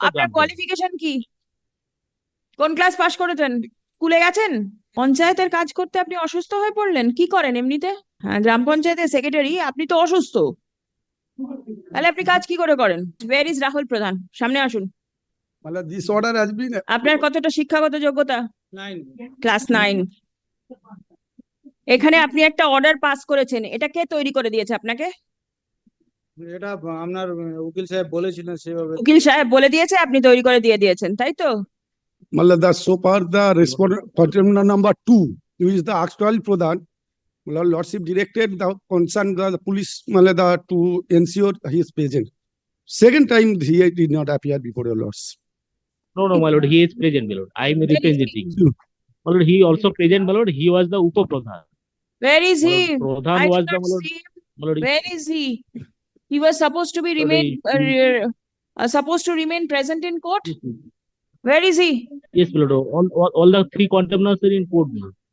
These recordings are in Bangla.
আপনার কোয়ালিফিকেশন কি? কোন ক্লাস পাশ করেছেন? স্কুলে গেছেন? পঞ্চায়েতের কাজ করতে আপনি অসুস্থ হয়ে পড়লেন, কি করেন এমনিতে? হ্যাঁ, গ্রাম পঞ্চায়েতের সেক্রেটারি, আপনি তো অসুস্থ, তাহলে আপনি কাজ কি করে করেন? ওয়্যার ইজ রাহুল প্রধান, সামনে আসুন। मतलब this order has been আপনার কতটা শিক্ষাগত যোগ্যতা? 9 ক্লাস 9। এখানে আপনি একটা অর্ডার পাস করেছেন, এটা কে তৈরি করে দিয়েছে আপনাকে? এটা আপনার উকিল সাহেব বলেছিলেন সেভাবে। উকিল সাহেব বলে দিয়েছে, আপনি তৈরি করে দিয়ে দিয়েছেন, তাই তো? मतलब the so far the respondent contender number 2 who is the actual pradhan, मतलब lordship directed the concerned the police मतलब the to ensure he is present. Second time he did not appear before your lords. No, no, my lord, he is present, my lord. I am representing. My lord, he also present, my lord. He was the Upa Pradhan. Where is My he? lord, Pradhan I was did the, not my lord, see him. my lord, Where is he? He was supposed to be supposed to remain present in court. Where is he? yes, my lord. All the three contemners are in court, my lord.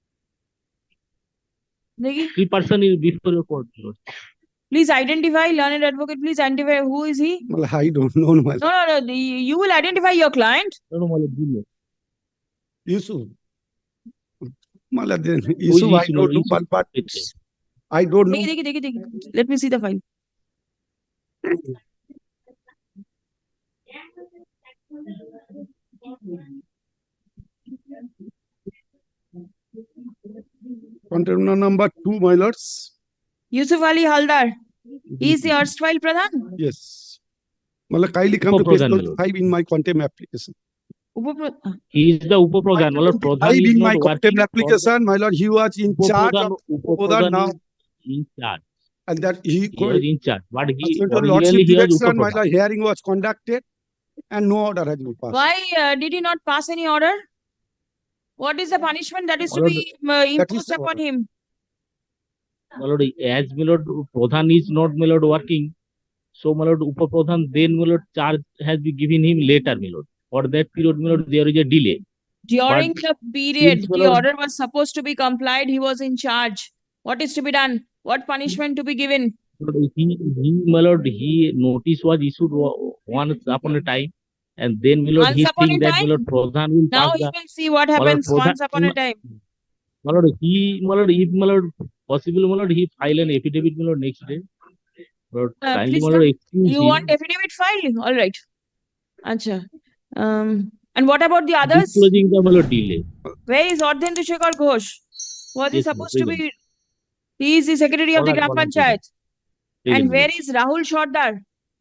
Dekhi, 3 person is before your court, my lord. please identify, learned advocate, please identify who is he? मतलब I don't know my No, no, no. You will identify your client. No, no, my lord, Junior. Yusuf. मतलब then Who is Yusuf I Yusuf, my don't lord? know Yusuf. but I don't know. Dekhi. Let me see the file. Contender number 2 my lords. Yusuf Ali Haldar. He is the erstwhile Pradhan. Yes. मतलब kindly come to page Upa-Pradhan, my lord. 5 in my contempt application. He is the Upa Pradhan, my lord. Pradhan I is in not my working. contempt application, my lord, he was in charge of Upa Pradhan Pradhan now, is in charge. and that He was in charge, but he pursuant to originally lordship he was Upa direction, my Pradhan. lord, hearing was conducted, and no order has been passed. Why did he not pass any order? What is the punishment that is to be imposed the upon order. him? My lord, as my lord Pradhan is not my lord working, so my lord Upa Pradhan then my lord charge has been given him later, my lord. For that period, my lord, there is a delay. During But the period since, my the lord, order was supposed to be complied, he was in charge. What is to be done? What punishment to be given? my lord, he notice was issued once upon a time, and then my lord Once he upon think a that my time? lord Pradhan will Now pass he the will see what my lord happens Pradhan. once upon a time. My lord, my lord, if my lord possible, my lord, he file an affidavit, my lord, next day. Lord, kindly, Please my lord, come. excuse You him. want affidavit file? All right. Acha. And what about the others? Disclosing the my lord delay. Where is Ardhendu Shekhar Ghosh? Was he Yes, supposed to present. be? He is the secretary of the Gram Present. Panchayat. And Present, my where lord. is Rahul Shodhar?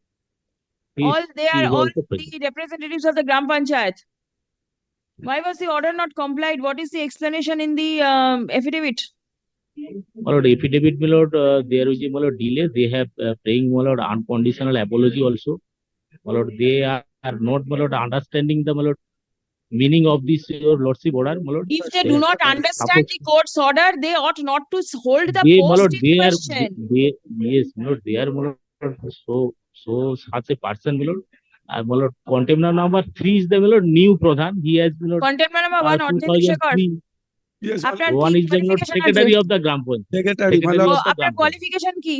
They He are is all also present. the representatives of the Gram Panchayat. Why was the order not complied? What is the explanation in the affidavit? My lord, affidavit, my lord, there is a my lord delay. They have praying, my lord, unconditional apology also. My lord, they are not, my lord, understanding the my lord meaning of this your lordship order, my lord. If they do not understand the court's order, they ought not to hold the They, my post lord, in they are question. yes, my lord, they are, my lord, so such a person, my lord. My lord, contender number 3 is the my lord new Pradhan. He has, my lord, Contender number 1, Ardhendu Shekhar. 2003. Yes, আপনার One কি is the my lord qualification আছে? secretary of the Gram Panchayat. secretary, my Secretary lord. of the আপনার Gram Panchayat. কোয়ালিফিকেশন কি?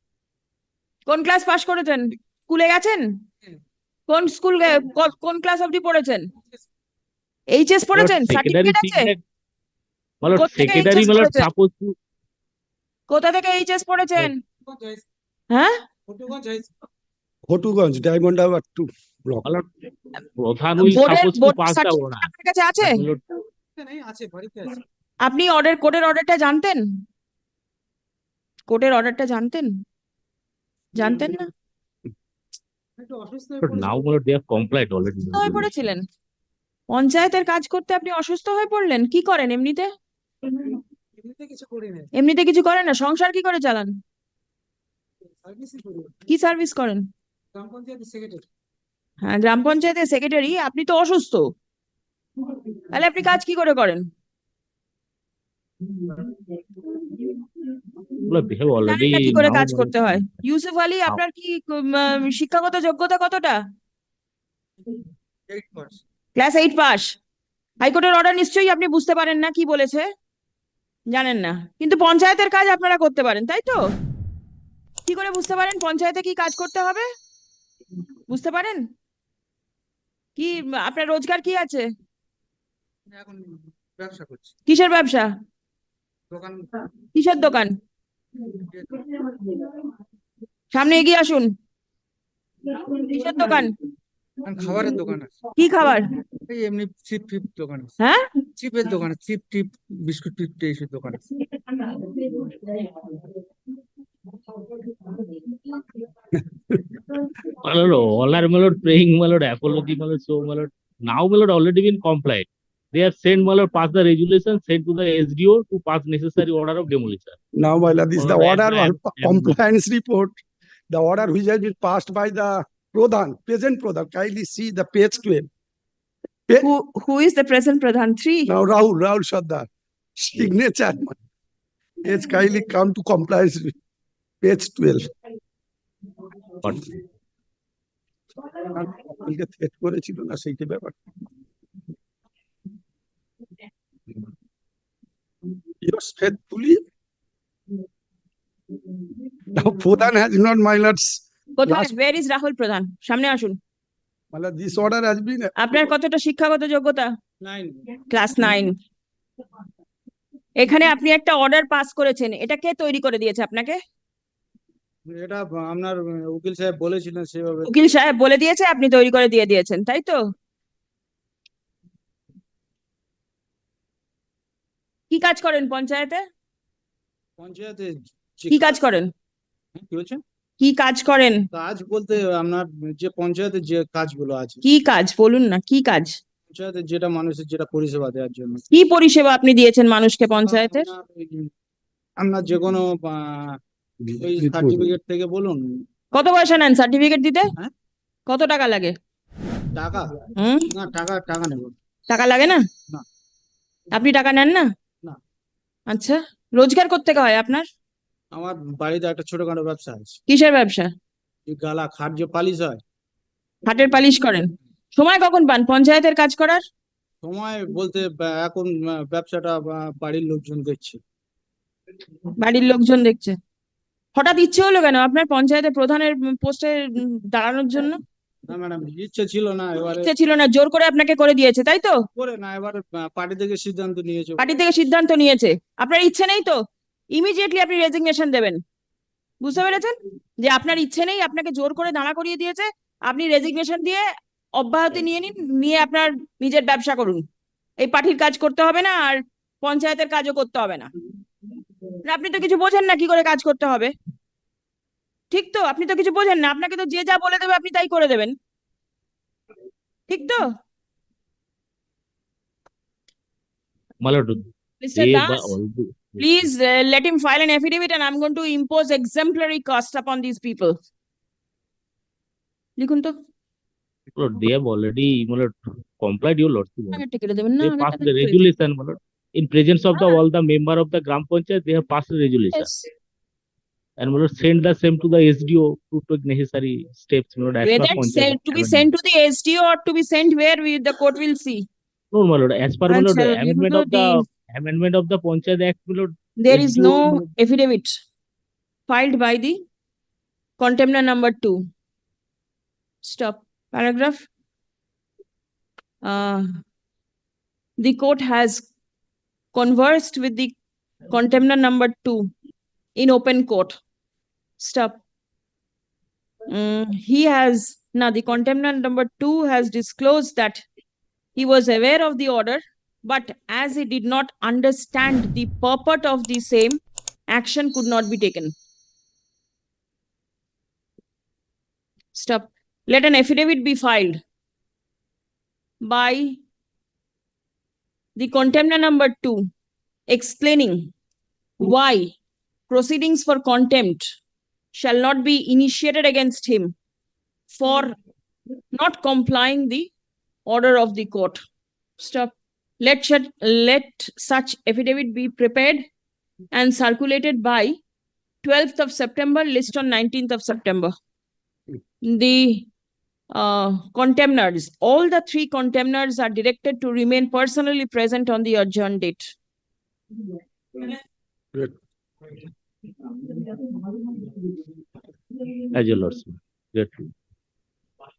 কোন ক্লাস পাশ করেছেন? স্কুলে গেছেন? কোন স্কুল কোন ক্লাস অবধি পড়েছেন? এইচএস My lord, পড়েছেন? secretary সার্টিফিকেট think আছে? that my lord, কোথা থেকে secretary, এইচএস my lord, পড়েছেন? supposed to কোথা থেকে এইচএস পড়েছেন? হ্যাঁ? Hotuganj, Diamond Hour 2 block. my lord, Pradhan will supposed to pass the order. আপনার কাছে আছে? But, my lord, আপনি কোর্টের অর্ডারটা জানতেন? কোর্টের অর্ডারটা জানতেন? জানতেন না? now my lord, they have complied already. অসুস্থ হয়ে পড়েছিলেন? পঞ্চায়েতের কাজ করতে আপনি অসুস্থ হয়ে পড়লেন, কি করেন এমনিতে? এমনিতে কিছু করেন না, সংসার কি করে চালান? কি সার্ভিস করেন? হ্যাঁ, গ্রাম পঞ্চায়েতের সেক্রেটারি, আপনি তো অসুস্থ, তাহলে আপনি কাজ কি করে করেন? They have জানেন already না কি করে now, কাজ my lord, করতে হয়? ইউসুফ আলী, আপনার কি শিক্ষাগত যোগ্যতা কতটা? Class 8 pass. হাইকোর্টের অর্ডার নিশ্চয়ই আপনি বুঝতে পারেন না কি বলেছে, জানেন না, কিন্তু পঞ্চায়েতের কাজ আপনারা করতে পারেন, তাই তো? কি করে বুঝতে পারেন পঞ্চায়েতে কি কাজ করতে হবে? বুঝতে পারেন? কি আপনার রোজগার কি আছে? এখন ব্যবসা করছি, কিসের ব্যবসা? দোকান। কিসের দোকান? সামনে এগিয়ে আসুন। কিসের দোকান? এখন খাবারের দোকান আছে, কি খাবার? এই এমনি চিপ টিপ দোকান আছে, হ্যাঁ, চিপের দোকান আছে, চিপ টিপ বিস্কুট টিপ এইসব দোকান আছে। My lord, all are my lord praying, my lord, apology, my lord, so my lord. Now, my lord, already been compliant. They have sent, my lord, pass the resolution, sent to the SDO to pass necessary order of demolition. Now, my lord, this is the My lord, order I or compliance report. The order which has been passed by the Pradhan, present Pradhan. Kindly see the page 12. who is the present Pradhan? 3. Now, Rahul Sardar, signature. It's kindly come to compliance with page 12. But কালকে থ্রেট করেছিল না সেইটা ব্যাপার। Yours faithfully. Now, Pradhan has not, my lords. কোথায়? Last- where is Rahul Pradhan? সামনে আসুন। My lord, this order has been. আপনার কতটা শিক্ষাগত যোগ্যতা? 9 ক্লাস 9। এখানে আপনি একটা অর্ডার পাস করেছেন, এটা কে তৈরি করে দিয়েছে আপনাকে? এটা আপনার উকিল সাহেব বলেছিলেন সেভাবে। উকিল সাহেব বলে দিয়েছে, আপনি তৈরি করে দিয়ে দিয়েছেন, তাই তো? কি কাজ করেন পঞ্চায়েতে? পঞ্চায়েতে কি কাজ করেন? কি বলছেন? কি কাজ করেন? কাজ বলতে আপনার যে পঞ্চায়েতের যে কাজগুলো আছে, কি কাজ বলুন না, কি কাজ? পঞ্চায়েতের যেটা মানুষের যেটা পরিষেবা দেওয়ার জন্য। কি পরিষেবা আপনি দিয়েছেন মানুষকে পঞ্চায়েতের? আপনার যে কোনো ওই সার্টিফিকেট থেকে বলুন। কত পয়সা নেন সার্টিফিকেট দিতে? হ্যাঁ? কত টাকা লাগে? টাকা হুম, না, টাকা নেব টাকা লাগে না? না। আপনি টাকা নেন না? না। আচ্ছা, রোজগার কোত্থেকে হয় আপনার? আমার বাড়িতে একটা ছোটখাটো ব্যবসা আছে, কিসের ব্যবসা? এই গালা খাট যে পালিশ হয়। হাটের পালিশ করেন? সময় কখন পান পঞ্চায়েতের কাজ করার? সময় বলতে এখন ব্যবসাটা বাড়ির লোকজন দেখছে। বাড়ির লোকজন দেখছে। হঠাৎ ইচ্ছে হলো কেন আপনার পঞ্চায়েতের প্রধানের পোস্টে দাঁড়ানোর জন্য? না ম্যাডাম, ইচ্ছে ছিল না, এবারে ইচ্ছে ছিল না, জোর করে আপনাকে করে দিয়েছে, তাই তো? করে না, এবারে পার্টি থেকে সিদ্ধান্ত নিয়েছে। পার্টি থেকে সিদ্ধান্ত নিয়েছে, আপনার ইচ্ছে নেই তো? ইমিডিয়েটলি আপনি রেজিগনেশন দেবেন। বুঝতে পেরেছেন যে আপনার ইচ্ছে নেই, আপনাকে জোর করে দাঁড়া করিয়ে দিয়েছে। আপনি রেজিগনেশন দিয়ে অব্যাহতি নিয়ে নিন, নিয়ে আপনার নিজের ব্যবসা করুন। এই পার্টির কাজ করতে হবে না, আর পঞ্চায়েতের কাজও করতে হবে না। আপনি তো কিছু বোঝেন না কি করে কাজ করতে হবে, ঠিক তো? আপনি তো কিছু বোঝেন না, আপনাকে তো যে যা বলে দেবে আপনি তাই করে দেবেন, ঠিক তো? my lord, Mr. they Das, please let him file an affidavit and I'm going to impose exemplary cost upon these people. লিখুন তো। my lord, they have already, my lord, complied, your lordship. আগে টিকে দেবেন না, They আগে passed টাকা the দিয়ে resolution, my lord. In presence of the all the member of the Gram Panchayat, they have passed the resolution. Yes. And my lord, send the same to the SDO to take necessary steps, my lord, as per Whether Panchayat. to be sent to the SDO or to be sent where the court will see. No, my lord, as per my lord, Acha, the amendment of the Panchayat Act, my lord, There is SDO, no affidavit filed by the contender number 2. Stop. Paragraph. The court has conversed with the contender number 2 in open court. Stop. The contender number 2 has disclosed that he was aware of the order, but as he did not understand the purport of the same, action could not be taken. Stop. Let an affidavit be filed by the contender number 2 explaining why proceedings for contempt shall not be initiated against him for not complying the order of the court. Stop. Let such affidavit be prepared and circulated by 12th of September, list on 19th of September. The contemners, all the 3 contemners are directed to remain personally present on the adjourned date. Good. as your lordship. Grateful.